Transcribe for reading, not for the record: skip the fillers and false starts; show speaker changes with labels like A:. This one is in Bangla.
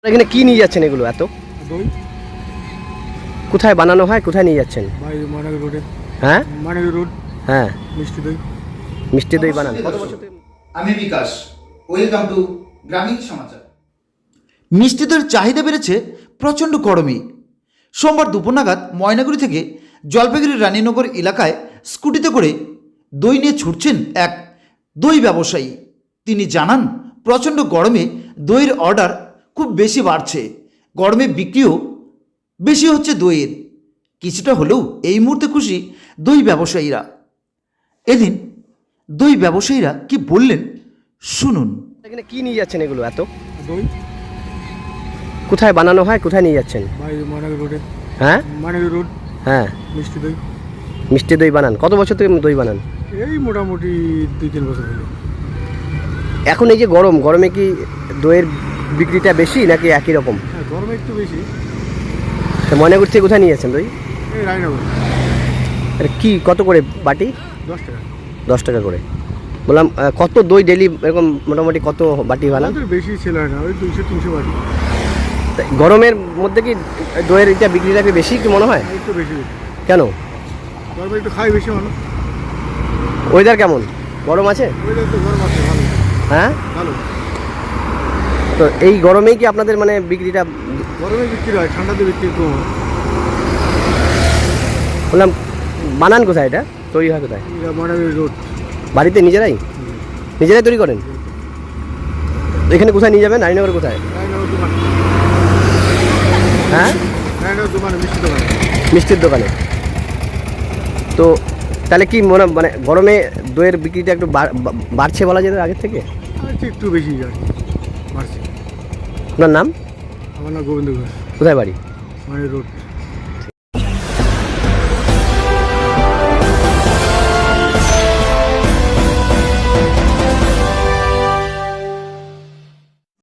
A: এখানে কি নিয়ে যাচ্ছেন এগুলো এত?
B: দই।
A: কোথায় বানানো হয়, কোথায় নিয়ে যাচ্ছেন?
B: ভাই মানালি রোডে।
A: হ্যাঁ
B: মানালি রোড।
A: হ্যাঁ,
B: মিষ্টি দই।
A: মিষ্টি দই বানান। কত বছর
C: আমি বিকাশ, ওয়েলকাম টু গ্রামীণ সমাচার।
D: মিষ্টি দইয়ের চাহিদা বেড়েছে প্রচণ্ড গরমে। সোমবার দুপুর নাগাদ ময়নাগুড়ি থেকে জলপাইগুড়ির রানীনগর এলাকায় স্কুটিতে করে দই নিয়ে ছুটছেন এক দই ব্যবসায়ী। তিনি জানান, প্রচণ্ড গরমে দইয়ের অর্ডার খুব বেশি বাড়ছে, গরমে বিক্রিও বেশি হচ্ছে দইয়ের। কিছুটা হলেও এই মুহূর্তে খুশি দই ব্যবসায়ীরা। এদিন দই ব্যবসায়ীরা কি বললেন শুনুন।
A: এখানে কি নিয়ে যাচ্ছেন এগুলো এত?
B: দই।
A: কোথায় বানানো হয়, কোথায় নিয়ে যাচ্ছেন?
B: ভাই মানালি রোডে।
A: হ্যাঁ
B: মানালি রোড।
A: হ্যাঁ,
B: মিষ্টি দই।
A: মিষ্টি দই বানান। কত বছর থেকে দই বানান?
B: এই মোটামুটি 2-3 বছর হলো।
A: এখন এই যে গরমে কি দইয়ের বিক্রিটা বেশি নাকি একই রকম?
B: হ্যাঁ, গরমে একটু বেশি।
A: ময়নাগুড়ি থেকে কোথায় নিয়ে যাচ্ছেন দই?
B: এই রায়নগর।
A: এটা কি কত করে বাটি?
B: 10 টাকা।
A: 10 টাকা করে। বললাম কত দই ডেলি এরকম মোটামুটি কত বাটি বানান?
B: আমাদের বেশি সেল হয় না, ওই 200-300 বাটি।
A: তা গরমের মধ্যে কি দইয়ের এটা বিক্রিটা কি বেশি কি মনে হয়?
B: একটু বেশি।
A: কেন?
B: গরমে একটু খাই বেশি মানুষ।
A: ওয়েদার কেমন? গরম আছে?
B: ওইটা তো গরম আছে, ভালো
A: হ্যাঁ,
B: ভালো।
A: তো এই গরমেই কি আপনাদের মানে বিক্রিটা?
B: গরমে বিক্রি হয়, ঠান্ডাতে বিক্রি কম হয়।
A: বললাম বানান কোথায়, এটা তৈরি হয় কোথায়?
B: এটা মানালি রোড।
A: বাড়িতে নিজেরাই তৈরি করেন? এখানে কোথায় নিয়ে যাবেন? রানীনগর কোথায়?
B: রায়নগর দোকান।
A: হ্যাঁ,
B: রায়নগর দোকানে, মিষ্টি দোকানে।
A: মিষ্টির দোকানে। তো তাহলে কি মানে গরমে দইয়ের বিক্রিটা একটু বাড়ছে বলা যেত আগের থেকে?
B: একটু বেশি যায়, বাড়ছে।
A: আপনার নাম?
B: আমার নাম গোবিন্দ ঘোষ।
A: কোথায় বাড়ি?
B: মানালি রোড।